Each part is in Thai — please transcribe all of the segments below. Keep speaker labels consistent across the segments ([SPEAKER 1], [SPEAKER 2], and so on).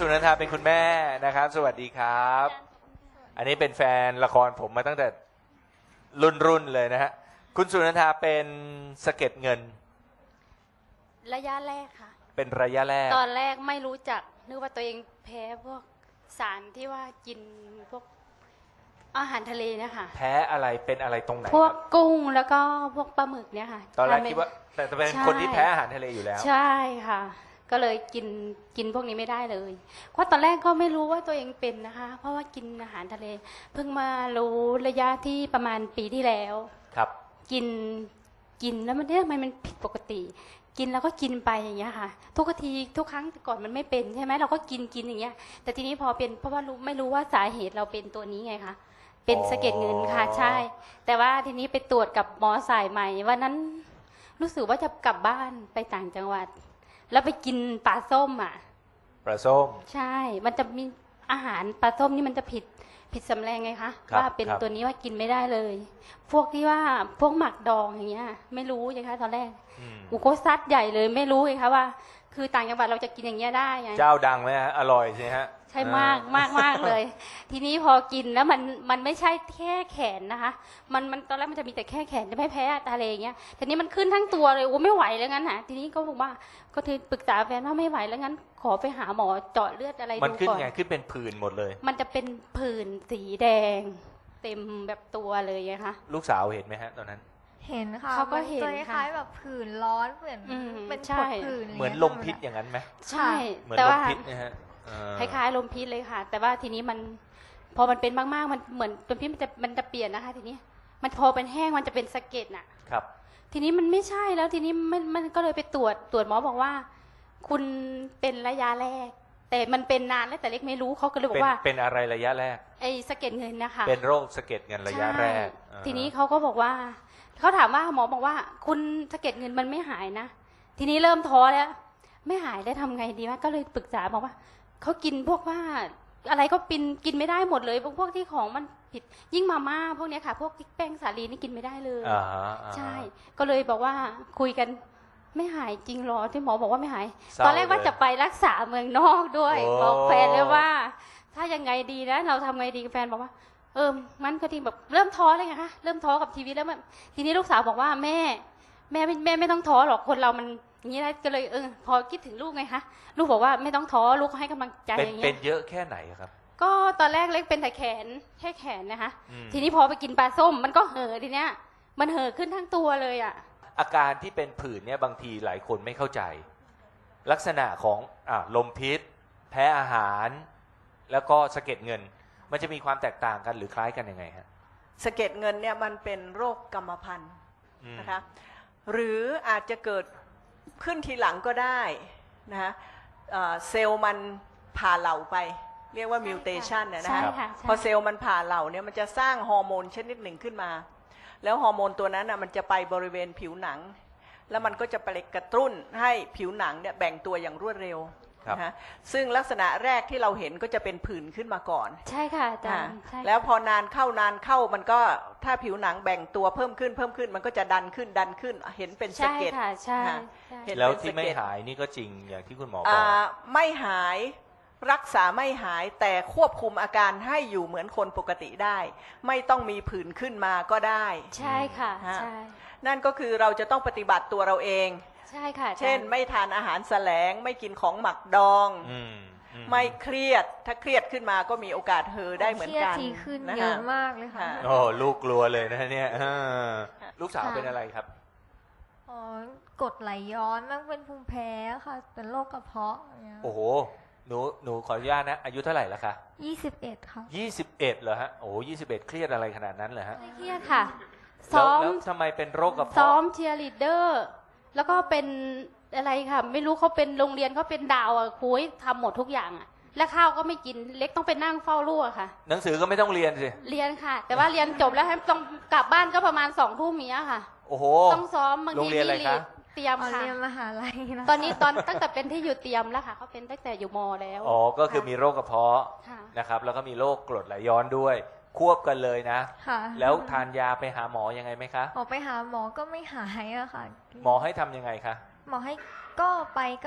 [SPEAKER 1] สุนันทาเป็นคุณแม่นะครับสวัสดีครับอันนี้เป็นแฟนละครผมมาตั้งแต่รุ่นเลยนะฮะคุณสุนันทาเป็นสะเก็ดเงิน
[SPEAKER 2] ระยะแรกค่ะ
[SPEAKER 1] เป็นระยะแรก
[SPEAKER 2] ตอนแรกไม่รู้จักนึกว่าตัวเองแพ้พวกสารที่ว่ากินพวกอาหารทะเลเนี่ยค่ะ
[SPEAKER 1] แพ้อะไรเป็นอะไรตรงไหน
[SPEAKER 2] พวกกุ้งแล้วก็พวกปลาหมึกเนี่ยค่ะ
[SPEAKER 1] ตอนแรกคิดว่าแต่เป็นคนที่แพ้อาหารทะเลอยู่แล้ว
[SPEAKER 2] ใช่ค่ะก็เลยกินพวกนี้ไม่ได้เลยเพราะตอนแรกก็ไม่รู้ว่าตัวเองเป็นนะคะเพราะว่ากินอาหารทะเลเพิ่งมารู้ระยะที่ประมาณปีที่แล้ว
[SPEAKER 1] ครับ
[SPEAKER 2] กินแล้วมันเนี่ยทำไมมันผิดปกติกินแล้วก็กินไปอย่างเงี้ยค่ะทุกครั้งก่อนมันไม่เป็นใช่ไหมเราก็กินอย่างเงี้ยแต่ทีนี้พอเป็นเพราะว่าไม่รู้ว่าสาเหตุเราเป็นตัวนี้ไงคะเป็นสะเก็ดเงินค่ะใช่แต่ว่าทีนี้ไปตรวจกับหมอสายใหม่วันนั้นรู้สึกว่าจะกลับบ้านไปต่างจังหวัดแล้วไปกินปลาส้มอ่ะ
[SPEAKER 1] ปลาส้ม
[SPEAKER 2] ใช่มันจะมีอาหารปลาส้มนี่มันจะผิดสำแรงไงคะว่าเป็นตัวนี้ว่ากินไม่ได้เลยพวกที่ว่าพวกหมักดองอย่างเงี้ยไม่รู้ไงคะตอนแรกอุโคซัดใหญ่เลยไม่รู้ไงคะว่าคือต่างจังหวัดเราจะกินอย่างเงี้ยได้ไง
[SPEAKER 1] เจ้าดังไหมฮะอร่อยใช่ฮะ
[SPEAKER 2] ใช่มากเลยทีนี้พอกินแล้วมันไม่ใช่แค่แขนนะคะมันตอนแรกมันจะมีแต่แค่แขนจะไม่แพ้ทะเลอย่างเงี้ยทีนี้มันขึ้นทั้งตัวเลยโอ้ไม่ไหวแล้วงั้นฮะทีนี้ก็บอกว่าก็คือปรึกษาแฟนว่าไม่ไหวแล้วงั้นขอไปหาหมอเจาะเลือดอะไรดูก่อน
[SPEAKER 1] มันขึ้นไงขึ้นเป็นผื่นหมดเลย
[SPEAKER 2] มันจะเป็นผื่นสีแดงเต็มแบบตัวเลยไงคะ
[SPEAKER 1] ลูกสาวเห็นไหมฮะตอนนั้น
[SPEAKER 3] เห็นค่ะ
[SPEAKER 2] เขาก็เห็น
[SPEAKER 3] คล้ายๆแบบผื่นร้อนเหมือนเป็นผดผื่น
[SPEAKER 1] เหมือนลมพิษอย่างนั้นไหม
[SPEAKER 2] ใช่
[SPEAKER 1] เหมือนลมพิษนะฮะ
[SPEAKER 2] คล้ายๆลมพิษเลยค่ะแต่ว่าทีนี้มันพอมันเป็นมากๆมันเหมือนลมพิษมันจะเปลี่ยนนะคะทีนี้มันพอเป็นแห้งมันจะเป็นสะเก็ดน่ะ
[SPEAKER 1] ครับ
[SPEAKER 2] ทีนี้มันไม่ใช่แล้วทีนี้มันก็เลยไปตรวจหมอบอกว่าคุณเป็นระยะแรกแต่มันเป็นนานแล้วแต่เล็กไม่รู้เขาก็เลยบอกว่า
[SPEAKER 1] เป็นอะไรระยะแรก
[SPEAKER 2] ไอ้สะเก็ดเงินนะคะ
[SPEAKER 1] เป็นโรคสะเก็ดเงินระยะแรก
[SPEAKER 2] ทีนี้เขาก็บอกว่าเขาถามว่าหมอบอกว่าคุณสะเก็ดเงินมันไม่หายนะทีนี้เริ่มท้อแล้วไม่หายได้ทำไงดีวะก็เลยปรึกษาบอกว่าเขากินพวกว่าอะไรก็กินไม่ได้หมดเลยพวกที่ของมันผิดยิ่งมาม่าพวกนี้ค่ะพวกแป้งสาลีนี่กินไม่ได้เลยใช่ก็เลยบอกว่าคุยกันไม่หายจริงหรอที่หมอบอกว่าไม่หายตอนแรกว่าจะไปรักษาเมืองนอกด้วยบอกแฟนเลยว่าถ้ายังไงดีนะเราทำไงดีแฟนบอกว่ามันก็ทีแบบเริ่มท้อเลยไงคะเริ่มท้อกับชีวิตแล้วทีนี้ลูกสาวบอกว่าแม่ไม่ต้องท้อหรอกคนเรามันอย่างนี้ได้ก็เลยพอคิดถึงลูกไงคะลูกบอกว่าไม่ต้องท้อลูกให้กำลังใจอย่างเงี้ย
[SPEAKER 1] เป็นเยอะแค่ไหนครับ
[SPEAKER 2] ก็ตอนแรกเล็กเป็นแต่แขนแค่แขนนะคะทีนี้พอไปกินปลาส้มมันก็เห่อทีเนี้ยมันเห่อขึ้นทั้งตัวเลยอ่ะ
[SPEAKER 1] อาการที่เป็นผื่นเนี่ยบางทีหลายคนไม่เข้าใจลักษณะของลมพิษแพ้อาหารแล้วก็สะเก็ดเงินมันจะมีความแตกต่างกันหรือคล้ายกันยังไงฮะ
[SPEAKER 4] สะเก็ดเงินเนี่ยมันเป็นโรคกรรมพันธุ์นะคะหรืออาจจะเกิดขึ้นทีหลังก็ได้นะคะเซลล์มันผ่าเหล่าไปเรียกว่ามิวเทชันนะคะพอเซลล์มันผ่าเหล่าเนี่ยมันจะสร้างฮอร์โมนชนิดหนึ่งขึ้นมาแล้วฮอร์โมนตัวนั้นมันจะไปบริเวณผิวหนังแล้วมันก็จะไปกระตุ้นให้ผิวหนังเนี่ยแบ่งตัวอย่างรวดเร็วนะซึ่งลักษณะแรกที่เราเห็นก็จะเป็นผื่นขึ้นมาก่อน
[SPEAKER 2] ใช่ค่ะอาจารย์
[SPEAKER 4] แล้วพอนานเข้มันก็ถ้าผิวหนังแบ่งตัวเพิ่มขึ้นมันก็จะดันขึ้นเห็นเป็นสะเก็ด
[SPEAKER 2] ใช่
[SPEAKER 1] แล้วที่ไม่หายนี่ก็จริงอย่างที่คุณหมอบอก
[SPEAKER 4] ไม่หายรักษาไม่หายแต่ควบคุมอาการให้อยู่เหมือนคนปกติได้ไม่ต้องมีผื่นขึ้นมาก็ได้
[SPEAKER 2] ใช่ค่ะใช่
[SPEAKER 4] นั่นก็คือเราจะต้องปฏิบัติตัวเราเอง
[SPEAKER 2] ใช่ค่ะ
[SPEAKER 4] เช่นไม่ทานอาหารแสลงไม่กินของหมักดองไม่เครียดถ้าเครียดขึ้นมาก็มีโอกาสเห่อได้เหมือนกัน
[SPEAKER 3] เครียดทีขึ้นเยอะมากเลยค่ะ
[SPEAKER 1] โอ้ลูกกลัวเลยนะเนี่ยลูกสาวเป็นอะไรครับ
[SPEAKER 3] กรดไหลย้อนมั่งเป็นภูมิแพ้ค่ะเป็นโรคกระเพาะ
[SPEAKER 1] โอ้โหหนูขออนุญาตนะอายุเท่าไหร่แล้วคะ
[SPEAKER 3] 21ค่ะ
[SPEAKER 1] 21เหรอฮะโอ้21เครียดอะไรขนาดนั้นเหรอฮะ
[SPEAKER 2] ไม่เครียดค่ะ
[SPEAKER 1] แล้วทำไมเป็นโรคกระเพาะ
[SPEAKER 2] ซ้อมเชียร์ลีดเดอร์แล้วก็เป็นอะไรค่ะไม่รู้เขาเป็นโรงเรียนเขาเป็นดาวครูให้ทำหมดทุกอย่างและข้าวก็ไม่กินเล็กต้องไปนั่งเฝ้าลูกค่ะ
[SPEAKER 1] หนังสือก็ไม่ต้องเรียนสิ
[SPEAKER 2] เรียนค่ะแต่ว่าเรียนจบแล้วให้ต้องกลับบ้านก็ประมาณ20:00 นค่ะ
[SPEAKER 1] โอ้โห
[SPEAKER 2] ต้องซ้อมบางที
[SPEAKER 1] เรียนอะไรคะ
[SPEAKER 2] เตรียมค่ะ
[SPEAKER 3] เรียนมหาลัยนะ
[SPEAKER 2] ตอนนี้ตั้งแต่เป็นที่อยู่เตรียมแล้วค่ะเขาเป็นตั้งแต่อยู่ม.แล้ว
[SPEAKER 1] ก็คือมีโรคกระเพาะนะครับแล้วก็มีโรคกรดไหลย้อนด้วยควบกันเลยนะแล้วทานยาไปหาหมอยังไงไหมคะ
[SPEAKER 3] ไปหาหมอก็ไม่หายอะค่ะ
[SPEAKER 1] หมอให้ทำยังไงคะ
[SPEAKER 3] หมอให้ก็ไปก็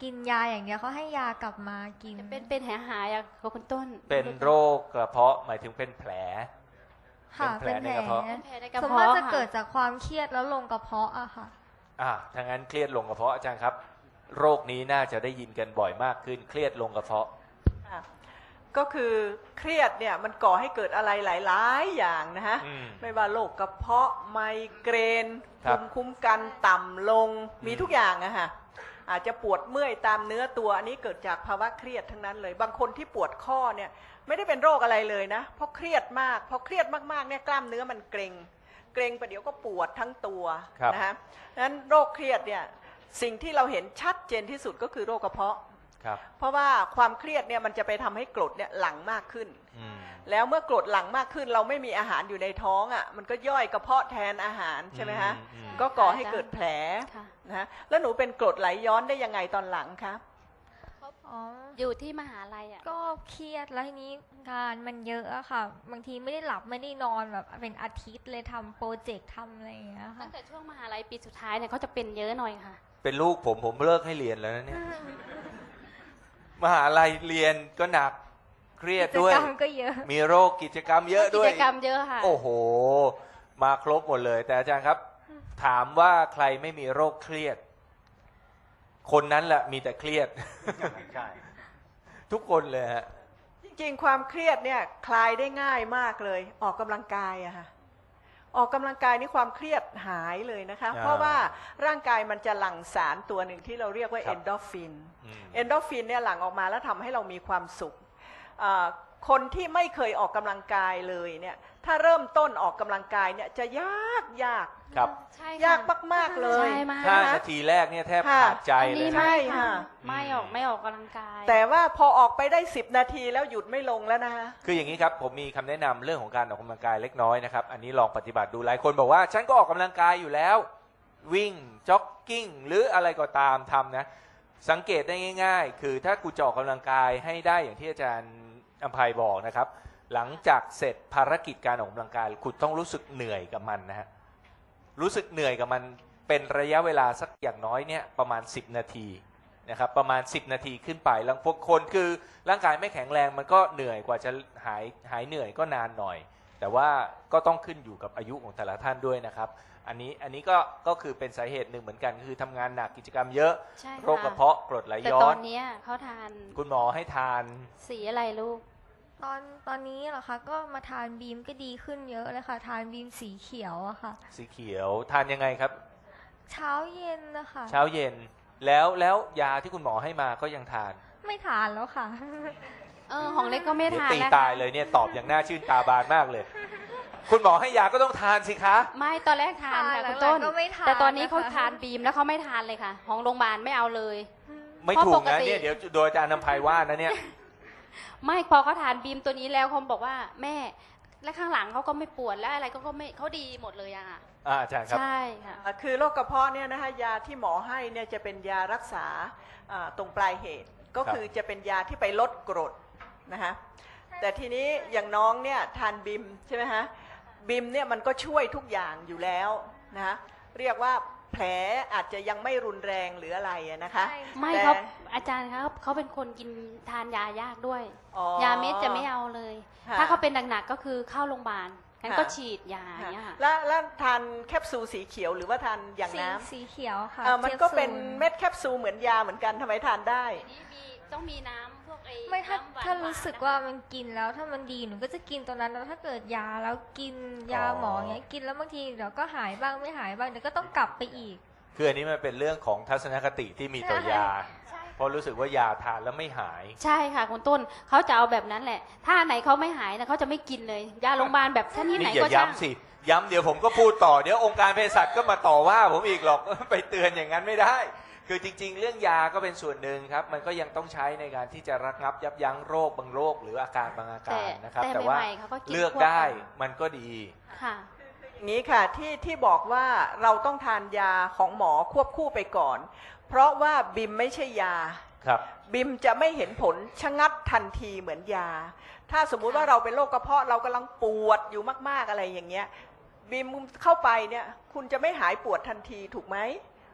[SPEAKER 3] กินยาอย่างเดียวเขาให้ยากลับมากิน
[SPEAKER 2] เป็นหายอะคุณต้น
[SPEAKER 1] เป็นโรคกระเพาะหมายถึงเป็นแผล
[SPEAKER 3] ค่ะ
[SPEAKER 1] เป็
[SPEAKER 3] เป็น น
[SPEAKER 1] แผ
[SPEAKER 3] แผ
[SPEAKER 1] ล
[SPEAKER 3] ล
[SPEAKER 1] ในกระเพาะ
[SPEAKER 2] เป็นแผลในกระ
[SPEAKER 3] ส่วน
[SPEAKER 2] เพาะ
[SPEAKER 3] มากจะ
[SPEAKER 2] ค่ะ
[SPEAKER 3] เกิดจากความเครียดแล้วลงกระเพาะอะค่ะ
[SPEAKER 1] ถ้างั้นเครียดลงกระเพาะอาจารย์ครับ โรคนี้น่าจะได้ยินกันบ่อยมากขึ้นเครียดลงกระเพาะ
[SPEAKER 4] ค่ะก็คือเครียดเนี่ยมันก่อให้เกิดอะไรหลายๆอย่างนะฮะ
[SPEAKER 1] อืม
[SPEAKER 4] ไม่ว่าโรคกระเพาะไมเกรน
[SPEAKER 1] ครับ
[SPEAKER 4] ภูมิคุ้มกันต่ำลงมีทุกอย่างอะฮะอาจจะปวดเมื่อยตามเนื้อตัวอันนี้เกิดจากภาวะเครียดทั้งนั้นเลย บางคนที่ปวดข้อเนี่ยไม่ได้เป็นโรคอะไรเลยนะเพราะเครียดมากพอเครียดมากๆเนี่ยกล้ามเนื้อมันเกร็งประเดี๋ยวก็ปวดทั้งตัว
[SPEAKER 1] ครับ
[SPEAKER 4] นะฮะนั้นโรคเครียดเนี่ยสิ่งที่เราเห็นชัดเจนที่สุดก็คือโรคกระเพาะ
[SPEAKER 1] ครับ
[SPEAKER 4] เพราะว่าความเครียดเนี่ยมันจะไปทำให้กรดเนี่ยหลั่งมากขึ้น
[SPEAKER 1] อืม
[SPEAKER 4] แล้วเมื่อกรดหลั่งมากขึ้นเราไม่มีอาหารอยู่ในท้องอ่ะมันก็ย่อยกระเพาะแทนอาหารใช่ไหมฮะ
[SPEAKER 1] อืม
[SPEAKER 4] ก็ก่อให้เกิดแผล
[SPEAKER 2] ค่ะ
[SPEAKER 4] นะฮะแล้วหนูเป็นกรดไหลย้อนได้ยังไงตอนหลังคะ
[SPEAKER 3] อ๋อ
[SPEAKER 2] อยู่ที่มหาลัยอะ
[SPEAKER 3] ก็เครียดแล้วทีนี้งานมันเยอะอะค่ะ บางทีไม่ได้หลับไม่ได้นอนแบบเป็นอาทิตย์เลยทำโปรเจกต์ทำอะไรอย่างเงี้ย
[SPEAKER 2] ตั้
[SPEAKER 3] ค่ะ
[SPEAKER 2] งแต่ช่วงมหาลัยปีสุดท้ายเนี่ยเขาจะเป็นเยอะหน่อยค่ะ
[SPEAKER 1] เป็นลูกผมเลิกให้เรียนแล้วนะเนี่ย มหาลัยเรียนก็หนักเครียด
[SPEAKER 3] กิจ
[SPEAKER 1] ด้วย
[SPEAKER 3] กรรมก็เยอะ
[SPEAKER 1] มีโรคกิจกรรมเยอะ
[SPEAKER 2] กิ
[SPEAKER 1] ด้วย
[SPEAKER 2] จกรรมเยอะค่ะ
[SPEAKER 1] โอ้โห มาครบหมดเลย แต่อาจารย์ครับ ถามว่าใครไม่มีโรคเครียด คนนั้นแหละมีแต่เครียด
[SPEAKER 5] ใช่
[SPEAKER 1] ทุกคนเลยฮะ
[SPEAKER 4] จริงๆความเครียดเนี่ยคลายได้ง่ายมากเลยออกกำลังกายอะค่ะออกกำลังกายนี่ความเครียดหายเลยนะคะ
[SPEAKER 1] อ่า
[SPEAKER 4] เพราะว่าร่างกายมันจะหลั่งสารตัวหนึ่งที่เราเรียกว่า
[SPEAKER 1] ครั
[SPEAKER 4] เอบ นโดรฟิน
[SPEAKER 1] อืม
[SPEAKER 4] เอนโดรฟินเนี่ยหลั่งออกมาแล้วทำให้เรามีความสุขคนที่ไม่เคยออกกำลังกายเลยเนี่ยถ้าเริ่มต้นออกกำลังกายเนี่ยจะยาก
[SPEAKER 1] ครับ
[SPEAKER 2] ใช่ค่ะ
[SPEAKER 4] ยากมากๆเลย
[SPEAKER 2] ใช่มาก
[SPEAKER 1] 5 นาทีแรกเนี่ยแทบขาดใจ
[SPEAKER 2] อัน
[SPEAKER 1] เล
[SPEAKER 2] นี้
[SPEAKER 1] ย
[SPEAKER 4] ใช่
[SPEAKER 2] ไม่ค่ะ
[SPEAKER 4] ค่ะ
[SPEAKER 2] ไม่ออกกำลังกาย
[SPEAKER 4] แต่ว่าพอออกไปได้10 นาทีแล้วหยุดไม่ลงแล้วนะคะ
[SPEAKER 1] คืออย่างนี้ครับ ผมมีคำแนะนำเรื่องของการออกกำลังกายเล็กน้อยนะครับ อันนี้ลองปฏิบัติดูหลายคนบอกว่า ฉันก็ออกกำลังกายอยู่แล้ว วิ่งจ็อกกิ้งหรืออะไรก็ตามทำนะ สังเกตได้ง่าย ๆ คือถ้ากูจะออกกำลังกายให้ได้อย่างที่อาจารย์อภัยบอกนะครับ หลังจากเสร็จภารกิจการออกกำลังกายคุณต้องรู้สึกเหนื่อยกับมันนะฮะรู้สึกเหนื่อยกับมันเป็นระยะเวลาสักอย่างน้อยเนี่ยประมาณ10 นาทีนะครับประมาณ10 นาทีขึ้นไปแล้วพวกคนคือร่างกายไม่แข็งแรงมันก็เหนื่อยกว่าจะหายเหนื่อยก็นานหน่อย แต่ว่าก็ต้องขึ้นอยู่กับอายุของแต่ละท่านด้วยนะครับ อันนี้ก็คือเป็นสาเหตุหนึ่งเหมือนกันคือทำงานหนักกิจกรรมเยอะ
[SPEAKER 2] ใช่ค่
[SPEAKER 1] โรคกระเพาะกรดไหล
[SPEAKER 2] แต่
[SPEAKER 1] ย้
[SPEAKER 2] ต
[SPEAKER 1] อ
[SPEAKER 2] อน นเนี้ยเขาทาน
[SPEAKER 1] คุณหมอให้ทาน
[SPEAKER 2] สีอะไรลูก
[SPEAKER 3] ตอนนี้เหรอคะก็มาทานบีมก็ดีขึ้นเยอะเลยค่ะ ทานบีมสีเขียวอะค่ะ
[SPEAKER 1] สีเขียวทานยังไงครับ
[SPEAKER 3] เช้าเย็นนะคะ
[SPEAKER 1] เช้าเย็นแล้วยาที่คุณหมอให้มาก็ยังทาน
[SPEAKER 3] ไม่ทานแล้วค่ะ
[SPEAKER 2] ของเล็กก็ไม่
[SPEAKER 1] เดี๋ยว
[SPEAKER 2] ทาน
[SPEAKER 1] ตี
[SPEAKER 2] แล้ว
[SPEAKER 1] ตายเลยเนี่ยตอบอย่างน่าชื่นตาบานมากเลย คุณหมอให้ยาก็ต้องทานสิคะ
[SPEAKER 2] ไม่ตอนแรกทานค่ะ
[SPEAKER 3] ทาน
[SPEAKER 2] คุณต้น
[SPEAKER 3] หลังๆก็ไม่ทาน
[SPEAKER 2] แต่ตอนนี้เขา
[SPEAKER 3] นะคะ
[SPEAKER 2] ทานบีมแล้วเขาไม่ทานเลยค่ะ ของโรงพยาบาลไม่เอาเลย
[SPEAKER 1] ไม่
[SPEAKER 2] เพราะ
[SPEAKER 1] ถูก
[SPEAKER 2] ปก
[SPEAKER 1] นะ
[SPEAKER 2] ติ
[SPEAKER 1] เนี่ยเดี๋ยวโดยอาจารย์นำภัยว่านะเนี่ย
[SPEAKER 2] ไม่พอเขาทานบีมตัวนี้แล้วเขาบอกว่าแม่และข้างหลังเขาก็ไม่ปวดและอะไรก็ไม่เขาดีหมดเลยอะค่ะ
[SPEAKER 1] อาจารย์ครับ
[SPEAKER 2] ใช่ค่ะ
[SPEAKER 4] คือโรคกระเพาะเนี่ยนะคะยาที่หมอให้เนี่ยจะเป็นยารักษาตรงปลายเหตุ ก็คือจะเป็นยาที่ไปลดกรดนะคะแต่ทีนี้อย่างน้องเนี่ยทานบิมใช่ไหมฮะบิมเนี่ยมันก็ช่วยทุกอย่างอยู่แล้วนะคะเรียกว่าแผลอาจจะยังไม่รุนแรงหรืออะไรอะนะคะ
[SPEAKER 2] ไม่
[SPEAKER 4] แต่
[SPEAKER 2] เขาอาจารย์ครับเขาเป็นคนกินทานยายากด้วย
[SPEAKER 4] อ๋อย
[SPEAKER 2] าเม็ดจะไม่เอาเลย
[SPEAKER 4] ค่ะ
[SPEAKER 2] ถ้าเขาเป็นหนักๆก็คือเข้าโรงพยาบาลงั้น
[SPEAKER 4] ค่ะ
[SPEAKER 2] ก็ฉีดยาอย่างเงี้ยค่ะ
[SPEAKER 4] แล้วทานแคปซูลสีเขียวหรือว่าทานอย่างน้ำ
[SPEAKER 3] สีเขียวค่ะ
[SPEAKER 4] มันก็เป็น
[SPEAKER 3] แคปซูล
[SPEAKER 4] เม็ดแคปซูลเหมือนยาเหมือนกันทำไมทานได้
[SPEAKER 2] ทีนี้ต้องมีน้ำพวกไอ้
[SPEAKER 3] ไม่ถ้า
[SPEAKER 2] น้ำหวานๆ
[SPEAKER 3] ถ้ารู้สึกว่ามันกินแล้วถ้ามันดีหนูก็จะกินตัวนั้นแล้วถ้าเกิดยาแล้วกินยาหมอเงี้ยกินแล้วบางทีเดี๋ยวก็หายบ้างไม่หายบ้างเดี๋ยวก็ต้องกลับไปอีก
[SPEAKER 1] คืออันนี้มันเป็นเรื่องของทัศนคติที่มีต่อยา
[SPEAKER 2] ใช่
[SPEAKER 1] เพราะรู้สึกว่ายาทานแล้วไม่หาย
[SPEAKER 2] ใช่ค่ะคุณต้นเขาจะเอาแบบนั้นแหละ ถ้าอันไหนเขาไม่หายนะเขาจะไม่กินเลย ยาโรงพยาบาลแบบชนิดไหน
[SPEAKER 1] นี่อย่า
[SPEAKER 2] ก็ช่าง
[SPEAKER 1] ย้ำสิ ย้ำเดี๋ยวผมก็พูดต่อ เดี๋ยวองค์การเภสัชก็มาต่อว่าผมอีกหรอก ไปเตือนอย่างนั้นไม่ได้ คือจริง ๆ เรื่องยาก็เป็นส่วนหนึ่งครับ มันก็ยังต้องใช้ในการที่จะระงับยับยั้งโรคบางโรคหรืออาการบางอาการนะครับ แต่ว่า
[SPEAKER 2] ใหม่ๆเขาก็กิน
[SPEAKER 1] เลือก
[SPEAKER 2] ควบ
[SPEAKER 1] ได้
[SPEAKER 2] กัน
[SPEAKER 1] มันก็ดี
[SPEAKER 2] ค่ะ
[SPEAKER 4] อย่างนี้ค่ะที่บอกว่าเราต้องทานยาของหมอควบคู่ไปก่อน เพราะว่าบิมไม่ใช่ยา
[SPEAKER 1] ครับ
[SPEAKER 4] บิมจะไม่เห็นผลชะงัดทันทีเหมือนยา ถ้าสมมุติว่าเราเป็นโรคกระเพาะเรากำลังปวดอยู่มากๆอะไรอย่างเงี้ยบิมเข้าไปเนี่ยคุณจะไม่หายปวดทันทีถูกไหม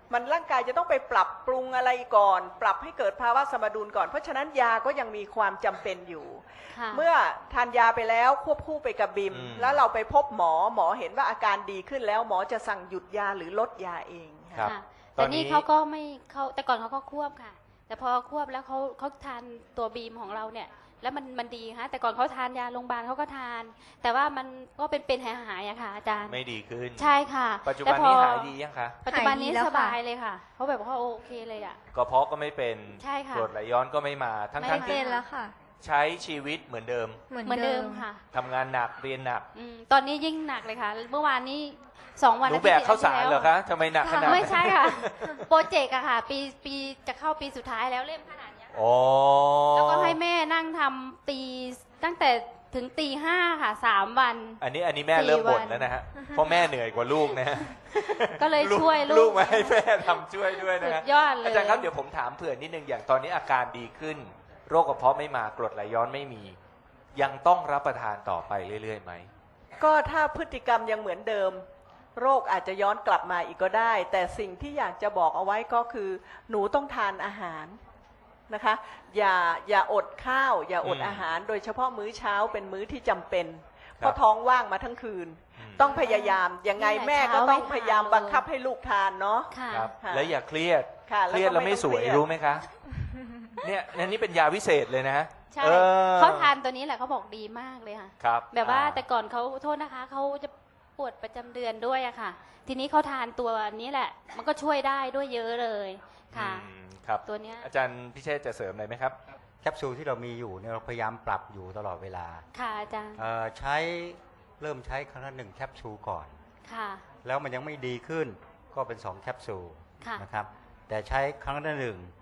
[SPEAKER 4] มันร่างกายจะต้องไปปรับปรุงอะไรก่อน ปรับให้เกิดภาวะสมดุลก่อนเพราะฉะนั้นยาก็ยังมีความจำเป็นอยู่
[SPEAKER 2] ค่ะ
[SPEAKER 4] เมื่อทานยาไปแล้วควบคู่ไปกับบิม แล้วเราไปพบหมอเห็นว่าอาการดีขึ้นแล้วหมอจะสั่งหยุดยาหรือลดยาเอง
[SPEAKER 1] ครับ
[SPEAKER 2] ค่ะ
[SPEAKER 1] ตอ
[SPEAKER 2] แต่
[SPEAKER 1] นนี้
[SPEAKER 2] นี่เขาก็ไม่เขาแต่ก่อนเขาก็ควบค่ะ แต่พอควบแล้วเขาทานตัวบีมของเราเนี่ย แล้วมันดีค่ะแต่ก่อนเขาทานยาโรงพยาบาลเขาก็ทาน แต่ว่ามันก็เป็นหายๆอะค่ะอาจารย์
[SPEAKER 1] ไม่ดีขึ้น
[SPEAKER 2] ใช่ค่ะ
[SPEAKER 1] ปัจจุบันนี้
[SPEAKER 2] แต่พอ
[SPEAKER 1] หายดียังคะ
[SPEAKER 2] ปัจจุบันนี้
[SPEAKER 3] หายดีแล้ว
[SPEAKER 2] ส
[SPEAKER 3] ค่ะ
[SPEAKER 2] บายเลยค่ะเขาแบบว่าโอเคเลยอะ
[SPEAKER 1] กระเพาะก็ไม่เป็น
[SPEAKER 2] ใช่ค่ะ
[SPEAKER 1] กรดไหลย้อนก็ไม่มาทั้ง
[SPEAKER 2] ไม่
[SPEAKER 1] ทั้ง
[SPEAKER 2] มา
[SPEAKER 1] ที่
[SPEAKER 3] เป็นแล้วค่ะ
[SPEAKER 1] ใช้ชีวิตเหมือนเดิม
[SPEAKER 2] เหมือนเดิมค่ะ
[SPEAKER 1] ทำงานหนักเรียนหนัก
[SPEAKER 2] ตอนนี้ยิ่งหนักเลยค่ะ เมื่อวานนี้2 วัน
[SPEAKER 1] หนูแบกข้าวสารเหรอคะทำไมหนักขนาดนั้น
[SPEAKER 2] ไม่ใช่ค่ะ โปรเจกต์อะค่ะ ปีจะเข้าปีสุดท้ายแล้วเล่มขนาดเนี้ย
[SPEAKER 1] โอ้
[SPEAKER 2] แล้วก็ให้แม่นั่งทำตั้งแต่ถึงตี 5ค่ะ3 วัน
[SPEAKER 1] อันนี้แม่เริ่มบ่น
[SPEAKER 2] 4 วัน
[SPEAKER 1] แล้วนะฮะเพราะแม่เหนื่อยกว่าลูกนะฮะ
[SPEAKER 2] ก็เลยช่วย
[SPEAKER 1] ลูกมาให้แม่ทำช่วยด้วยนะ
[SPEAKER 2] สุ
[SPEAKER 1] ฮะ
[SPEAKER 2] ดยอดเลย
[SPEAKER 1] อาจารย์ครับเดี๋ยวผมถามเผื่อนิดนึงอย่างตอนนี้อาการดีขึ้น โรคกระเพาะไม่มากรดไหลย้อนไม่มี ยังต้องรับประทานต่อไปเรื่อยๆไหม
[SPEAKER 4] ก็ถ้าพฤติกรรมยังเหมือนเดิม โรคอาจจะย้อนกลับมาอีกก็ได้ แต่สิ่งที่อยากจะบอกเอาไว้ก็คือ หนูต้องทานอาหารนะคะอย่าอดข้าว อย่าอด
[SPEAKER 1] อืม
[SPEAKER 4] อาหาร โดยเฉพาะมื้อเช้าเป็นมื้อที่จำเป็น
[SPEAKER 1] ครับ
[SPEAKER 4] เพราะท้องว่างมาทั้งคืน ต้องพยายามยังไงแม่ก็ต้องพยายามบังคับให้ลูกทานเนาะ
[SPEAKER 2] ค่ะ
[SPEAKER 1] ครับ
[SPEAKER 4] ค่ะ
[SPEAKER 1] แล้วอย่าเครียด
[SPEAKER 4] ค่ะ
[SPEAKER 1] เครียดแล้วไม่สวย
[SPEAKER 4] ต้องเครียด
[SPEAKER 1] รู้ไหมคะเนี่ยอันนี้เป็นยาวิเศษเลยนะ
[SPEAKER 2] ใช่
[SPEAKER 1] ออ
[SPEAKER 2] เขาทานตัวนี้แหละเขาบอกดีมากเลยค่ะ
[SPEAKER 1] ครับ
[SPEAKER 2] แบบว่าแต่ก่อนเขาโทษนะคะเขาจะปวดประจำเดือนด้วยอะค่ะ ทีนี้เขาทานตัวนี้แหละ มันก็ช่วยได้ด้วยเยอะเลยค่ะ
[SPEAKER 1] ครับ
[SPEAKER 2] ตัวเนี้ย
[SPEAKER 1] อาจารย์พิเชษจะเสริมอะไรไหมครับ
[SPEAKER 5] แคปซูลที่เรามีอยู่เนี่ยเราพยายามปรับอยู่ตลอดเวลา
[SPEAKER 2] ค่ะอาจารย์
[SPEAKER 5] เริ่มใช้ครั้งละ1แคปซูลก่อน
[SPEAKER 2] ค่ะ
[SPEAKER 5] แล้วมันยังไม่ดีขึ้นก็เป็น2แคปซูล
[SPEAKER 2] ค่ะ
[SPEAKER 5] นะครับแต่ใช้ครั้งละ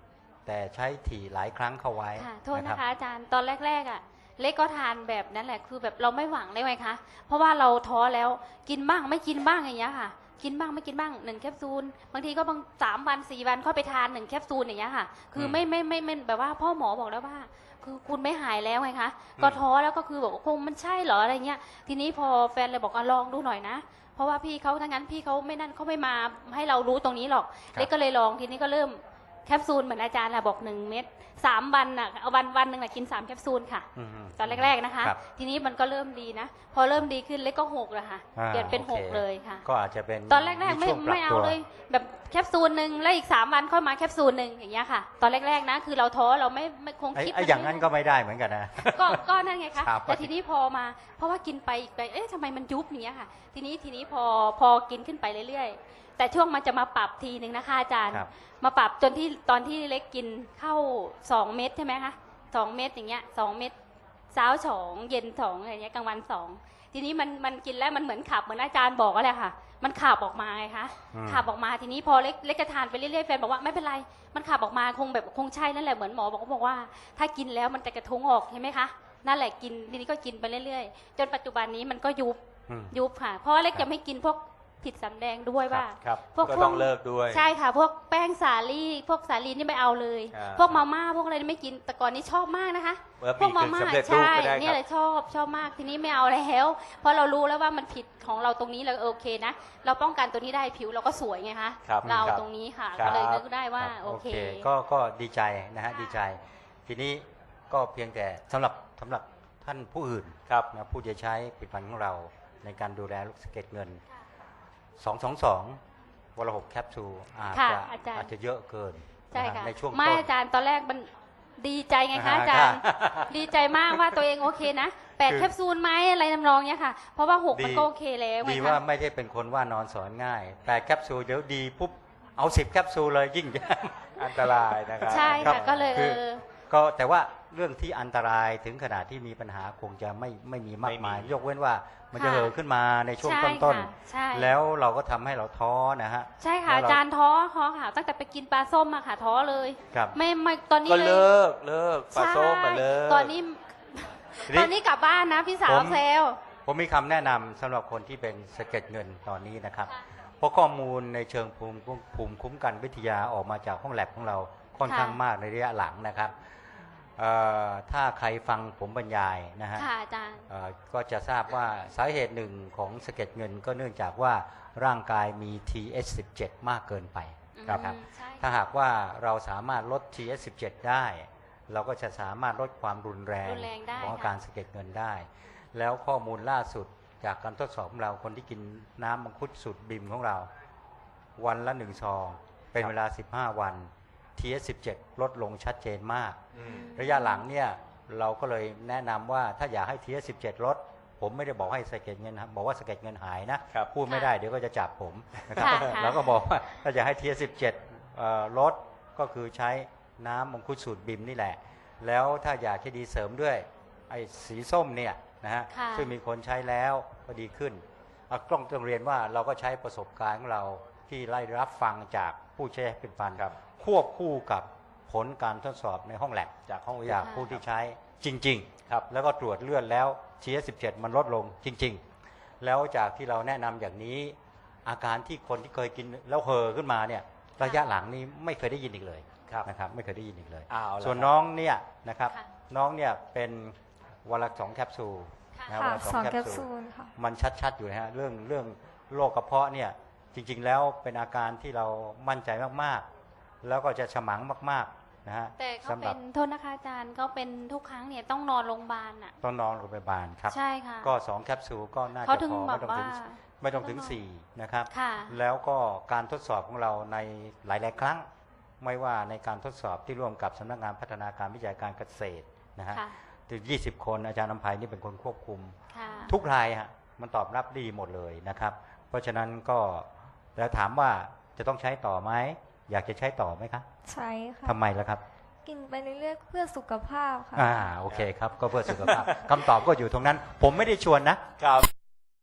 [SPEAKER 5] 1แต่ใช้ถี่หลายครั้งเข้าไว้
[SPEAKER 2] ค่ะโทษ
[SPEAKER 5] รั
[SPEAKER 2] นะ
[SPEAKER 5] บ
[SPEAKER 2] คะอาจารย์ตอนแรกๆอ่ะเล็กก็ทานแบบนั้นแหละคือแบบเราไม่หวังเลยไงคะเพราะว่าเราท้อแล้วกินบ้างไม่กินบ้างอย่างเงี้ยค่ะ กินบ้างไม่กินบ้าง1แคปซูลบางทีก็บาง3 วัน4 วันค่อยไปทาน1แคปซูลอย่างเงี้ยค่ะ คือไม่แบบว่าพ่อหมอบอกแล้วว่า คือคุณไม่หายแล้วไงคะก็ท้อแล้วก็คือบอกว่าคงมันใช่เหรออะไรเงี้ยทีนี้พอแฟนเลยบอกลองดูหน่อยนะ เพราะว่าพี่เขาทั้งนั้นพี่เขาไม่นั่นเขาไม่มาให้เรารู้ตรงนี้หรอก
[SPEAKER 1] ครับ
[SPEAKER 2] เล็กก็เลยลองทีนี้ก็เริ่มแคปซูลเหมือนอาจารย์แหละบอก1 เม็ด3 วันน่ะเอาวันหนึ่งน่ะกิน3แคปซูลค่ะ
[SPEAKER 5] อืม
[SPEAKER 2] ตอนแรกๆนะคะ
[SPEAKER 5] ครับ
[SPEAKER 2] ทีนี้มันก็เริ่มดีนะ พอเริ่มดีขึ้นเล็กก็6แล้วค่ะ
[SPEAKER 5] อ่า
[SPEAKER 2] เปลี่ยนเป็น
[SPEAKER 5] โอเค
[SPEAKER 2] 6เลยค่ะ
[SPEAKER 5] ก็อาจจะเป็น
[SPEAKER 2] ตอนแรกๆไม่
[SPEAKER 5] ช่วงปรับ
[SPEAKER 2] ไม่เอา
[SPEAKER 5] ตัว
[SPEAKER 2] เลย แบบแคปซูลหนึ่งแล้วอีก3 วันค่อยมาแคปซูลหนึ่งอย่างเงี้ยค่ะ ตอนแรกๆนะคือเราท้อเราไม่คงคิด
[SPEAKER 5] ไอ้อย่างนั้นก็ไม่ได้เหมือนกันนะ
[SPEAKER 2] ก็นั่นไงคะ
[SPEAKER 5] ครับ
[SPEAKER 2] แต่ทีนี้พอมาเพราะว่ากินไปอีกไปเอ๊ะทำไมมันยุบอย่างเงี้ยค่ะ ทีนี้พอกินขึ้นไปเรื่อยๆแต่ช่วงมันจะมาปรับทีหนึ่งนะคะอาจารย์
[SPEAKER 5] ครับ
[SPEAKER 2] มาปรับจนที่ตอนที่เล็กกินเข้า2 เม็ดใช่ไหมคะ2 เม็ดอย่างเงี้ย2 เม็ดเช้า2เย็น2อะไรเงี้ยกลางวัน2ทีนี้มันกินแล้วมันเหมือนขับเหมือนอาจารย์บอกก็แหละค่ะ มันขับออกมาไงคะ
[SPEAKER 5] อืม
[SPEAKER 2] ขับออกมาทีนี้พอเล็กจะทานไปเรื่อยๆแฟนบอกว่าไม่เป็นไรมันขับออกมาคงใช่นั่นแหละเหมือนหมอบอกว่า ถ้ากินแล้วมันจะกระทุ้งออกใช่ไหมคะนั่นแหละกินทีนี้ก็กินไปเรื่อยๆจนปัจจุบันนี้มันก็ยุบ
[SPEAKER 5] อืม
[SPEAKER 2] ยุบค่ะ เพราะว่าเล็ก
[SPEAKER 5] ครับ
[SPEAKER 2] จะไม่กินพวกผิดสำแดงด้วยว่า
[SPEAKER 1] ครับ
[SPEAKER 2] พวก
[SPEAKER 1] ก็ต้องเลิกด้วย
[SPEAKER 2] ใช่ค่ะ พวกแป้งสาลี่พวกสาลีนี่ไม่เอาเลย
[SPEAKER 1] อ่า
[SPEAKER 2] พวกมาม่าพวกอะไรนี่ไม่กินแต่ก่อนนี้ชอบมากนะคะ พวกมาม่า
[SPEAKER 1] สำเร็จรูป
[SPEAKER 2] ใช่
[SPEAKER 1] ก็ได้
[SPEAKER 2] เนี่ย
[SPEAKER 1] ค
[SPEAKER 2] แห
[SPEAKER 1] รับ
[SPEAKER 2] ละชอบมากทีนี้ไม่เอาแล้วเพราะเรารู้แล้วว่ามันผิดของเราตรงนี้เราโอเคนะเราป้องกันตัวนี้ได้ผิวเราก็สวยไงคะ
[SPEAKER 1] ครับ
[SPEAKER 2] เรา
[SPEAKER 1] ครับ
[SPEAKER 2] ตรงนี้ค่ะ
[SPEAKER 1] ครับ
[SPEAKER 2] ก็เลยนึกได้ว่า
[SPEAKER 5] ครับ
[SPEAKER 2] โอเค
[SPEAKER 5] ก็ดีใจนะฮะ
[SPEAKER 2] ค่ะ
[SPEAKER 5] ดีใจ ทีนี้ก็เพียงแต่สำหรับท่านผู้อื่น
[SPEAKER 1] ครับ
[SPEAKER 5] นะผู้จะใช้ผลิตภัณฑ์ของเราในการดูแลลูกสะเก็ดเงิน 222 วันละ 6 แคปซูลอาจ
[SPEAKER 2] ค่ะ
[SPEAKER 5] จะ
[SPEAKER 2] อาจารย์
[SPEAKER 5] อาจจะเยอะเกิน
[SPEAKER 2] ใช่
[SPEAKER 5] นฮ
[SPEAKER 2] ค่ะ
[SPEAKER 5] ในช่วง
[SPEAKER 2] ไม่
[SPEAKER 5] ต้น
[SPEAKER 2] อาจารย์ตอนแรกมันดีใจไงคะ
[SPEAKER 5] อ่า
[SPEAKER 2] อาจารย์
[SPEAKER 5] ค่ะ
[SPEAKER 2] ดีใจมากว่าตัวเองโอเคนะ8
[SPEAKER 5] คือ
[SPEAKER 2] แคปซูลไหมอะไรทำนองเนี้ยค่ะ เพราะว่า6มัน
[SPEAKER 5] ดี
[SPEAKER 2] ก็โอเคแล้วไง
[SPEAKER 5] ดี
[SPEAKER 2] คะ
[SPEAKER 5] ว่าไม่ได้เป็นคนว่านอนสอนง่าย แต่แคปซูลเดี๋ยวดีปุ๊บ เอา10 แคปซูลเลยยิ่ง
[SPEAKER 1] อันตรายนะครับ
[SPEAKER 2] ใช่
[SPEAKER 5] ครั
[SPEAKER 2] ค่ะ
[SPEAKER 5] บ
[SPEAKER 2] ก็เลย
[SPEAKER 5] คือ ก็แต่ว่าเรื่องที่อันตรายถึงขนาดที่มีปัญหาคงจะไม่มีมากมาย
[SPEAKER 1] ไม่มี
[SPEAKER 5] ยกเว้นว่ามันจะ
[SPEAKER 2] ค่ะ
[SPEAKER 5] เห่อขึ้นมาในช่วง
[SPEAKER 2] ใช่
[SPEAKER 5] ต้น
[SPEAKER 2] ค่ะใช่
[SPEAKER 5] ๆ แล้วเราก็ทำให้เราท้อนะฮะ
[SPEAKER 2] ใช่ค่ะ
[SPEAKER 5] แล้วเรา
[SPEAKER 2] อาจารย์ท้อค่ะตั้งแต่ไปกินปลาส้มมาค่ะท้อเลย
[SPEAKER 5] ครับ
[SPEAKER 2] ไม่ตอนนี้
[SPEAKER 1] ก็
[SPEAKER 2] เลย
[SPEAKER 1] เลิกปลาส้มมาเลิก
[SPEAKER 2] ตอนนี้
[SPEAKER 5] ทีนี้
[SPEAKER 2] ตอนนี้กลับบ้านนะพี่สาว
[SPEAKER 5] ผม
[SPEAKER 2] เซล
[SPEAKER 5] ผมมีคำแนะนำสำหรับคนที่เป็นสะเก็ดเงินตอนนี้นะครับ เพราะข้อมูลในเชิงภูมิคุ้มกันวิทยาออกมาจากห้องแลบของเราค่อนข้างมากในระยะหลังนะครับถ้าใครฟังผมบรรยายนะฮะ
[SPEAKER 2] ค่ะอาจารย์
[SPEAKER 5] ก็จะทราบว่าสาเหตุหนึ่งของสะเก็ดเงินก็เนื่องจากว่าร่างกายมี TH17 มากเกินไปครับ
[SPEAKER 2] ใช่
[SPEAKER 5] ถ้าหากว่าเราสามารถลด TS17 ได้ เราก็จะสามารถลดความรุนแรง
[SPEAKER 2] รุนแรงได้
[SPEAKER 5] ของอา
[SPEAKER 2] ค่ะ
[SPEAKER 5] การสะเก็ดเงินได้ แล้วข้อมูลล่าสุดจากการทดสอบของเราคนที่กินน้ำมังคุดสูตรบิมของเรา วันละ1 ซอง เป็นเวลา 15 วัน TS17 ลดลงชัดเจนมาก
[SPEAKER 1] อืม
[SPEAKER 5] ระยะหลังเนี่ยเราก็เลยแนะนำว่าถ้าอยากให้ TS17 ลด ผมไม่ได้บอกให้สะเก็ดเงินบอกว่าสะเก็ดเงินหายนะครับ พูดไม่ได้เดี๋ยวก็จะจับผมนะครับ
[SPEAKER 2] ค่ะ
[SPEAKER 5] แล้วก็บอกว่าถ้าอยากให้ TS17 ลดก็คือใช้น้ำมังคุดสูตรบิมนี่แหละ แล้วถ้าอยากจะดีเสริมด้วยไอ้สีส้มเนี่ยนะฮะ
[SPEAKER 2] ค่ะ
[SPEAKER 5] ซึ่งมีคนใช้แล้วก็ดีขึ้นต้องเรียนว่าเราก็ใช้ประสบการณ์ของเราที่ไล่รับฟังจากผู้ใช้เป็นฟัน
[SPEAKER 1] ครับ
[SPEAKER 5] ควบคู่กับผลการทดสอบในห้องแลบจากห้องวิทยาผู้ที่ใช้จริงๆครับแล้วก็ตรวจเลือดแล้ว TS17 มันลดลงจริงๆ แล้วจากที่เราแนะนำอย่างนี้อาการที่คนที่เคยกินแล้วเห่อขึ้นมาเนี่ยระยะหลังนี้ไม่เคยได้ยินอีกเลย
[SPEAKER 1] ครับ
[SPEAKER 5] นะครับไม่เคยได้ยินอีกเลย
[SPEAKER 1] เอาละ
[SPEAKER 5] ส่วน
[SPEAKER 1] ครับ
[SPEAKER 5] น้องเนี่ยนะครับ
[SPEAKER 2] ค่ะ
[SPEAKER 5] น้องเนี่ยเป็นวันละ2 แคปซูล
[SPEAKER 2] ค่ะ
[SPEAKER 5] นะ
[SPEAKER 3] ค่ะ
[SPEAKER 5] วันละ
[SPEAKER 3] 2 แคปซูลค่ะ
[SPEAKER 5] มันชัดๆอยู่นะฮะเรื่องโรคกระเพาะเนี่ยจริงๆแล้วเป็นอาการที่เรามั่นใจมากๆ แล้วก็จะฉมังมากๆนะฮะ
[SPEAKER 2] แต่ก็
[SPEAKER 5] สำห
[SPEAKER 2] เป็
[SPEAKER 5] รับ
[SPEAKER 2] นโทษนะคะอาจารย์ก็เป็นทุกครั้งเนี่ยต้องนอนโรงพยาบาลอ่ะ
[SPEAKER 5] ต้องนอนโรงพยาบาลครับ
[SPEAKER 2] ใช่ค่ะ
[SPEAKER 5] ก็2 แคปซูลก็น่า
[SPEAKER 2] เขา
[SPEAKER 5] จะ
[SPEAKER 2] ถึง
[SPEAKER 5] พอ
[SPEAKER 2] แบบว่า
[SPEAKER 5] ไม่ต้องถึง4นะครับ
[SPEAKER 2] ค่ะ
[SPEAKER 5] แล้วก็การทดสอบของเราในหลายๆครั้ง ไม่ว่าในการทดสอบที่ร่วมกับสำนักงานพัฒนาการวิจัยการเกษตรนะฮะ
[SPEAKER 2] ค่ะ
[SPEAKER 5] ถึง20 คนอาจารย์นำไพนี่เป็นคนควบคุม
[SPEAKER 2] ค่ะ
[SPEAKER 5] ทุกรายฮะมันตอบรับดีหมดเลยนะครับ เพราะฉะนั้นก็แล้วถามว่าจะต้องใช้ต่อไหมอยากจะใช้ต่อไหมครับ
[SPEAKER 3] ใช้ค่ะ
[SPEAKER 5] ทำไมล่ะครับ
[SPEAKER 3] กินไปเรื่อยๆเพื่อสุขภาพค่ะ
[SPEAKER 5] โอเคครับก็เพื่อสุขภาพ คำตอบก็อยู่ตรงนั้น ผมไม่ได้ชวนนะ
[SPEAKER 1] ครับ